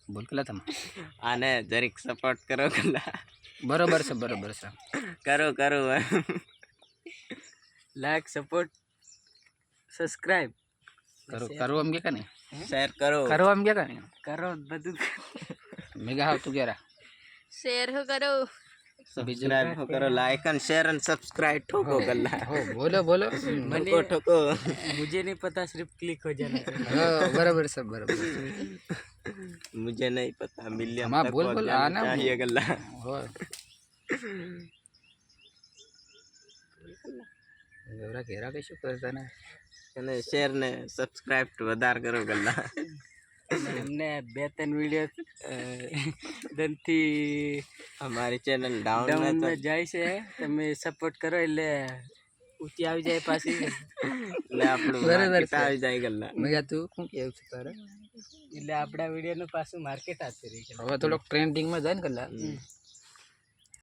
બોલ કલા તમે આને જરીક સપોર્ટ કરો કલા બરોબર છે કરો લાઈક સપોર્ટ સબસ્ક્રાઇબ કરો એમ કે નહીં શેર કરો કરો એમ કે નહીં કરો બધું મેગા હાવ તું ક્યારે શેર હો કરો સબસ્ક્રાઇબ કરો લાઈક અને શેર અને સબસ્ક્રાइब ठोको कल्ला हो बोलो ठोको मुझे नहीं पता सिर्फ क्लिक हो जाना चाहिए हाँ बराबर सब बराबर मुझे नहीं पता मिलियन हमारा तक बोल पहुंच बोल जाना आना चाहिए कल्ला हो એવરા કેરા કઈ શું કરતા ને અને શેર ને સબસ્ક્રાઇબ વધાર કરો કલ્લા हमने बेहतरीन वीडियो दंती हमारी चैनल डाउन डाउन में में जाए से તમે સપોર્ટ કરો એટલે ઊંચી આવી જાય પાછી એટલે આપણું માર્કેટ આવી જાય કલ્લા મેગા તું શું કેવું છે તારે એટલે આપણા વિડીયો નું પાછું માર્કેટ આવતું રહી હવે થોડોક ટ્રેન્ડિંગ માં જાય ને કલા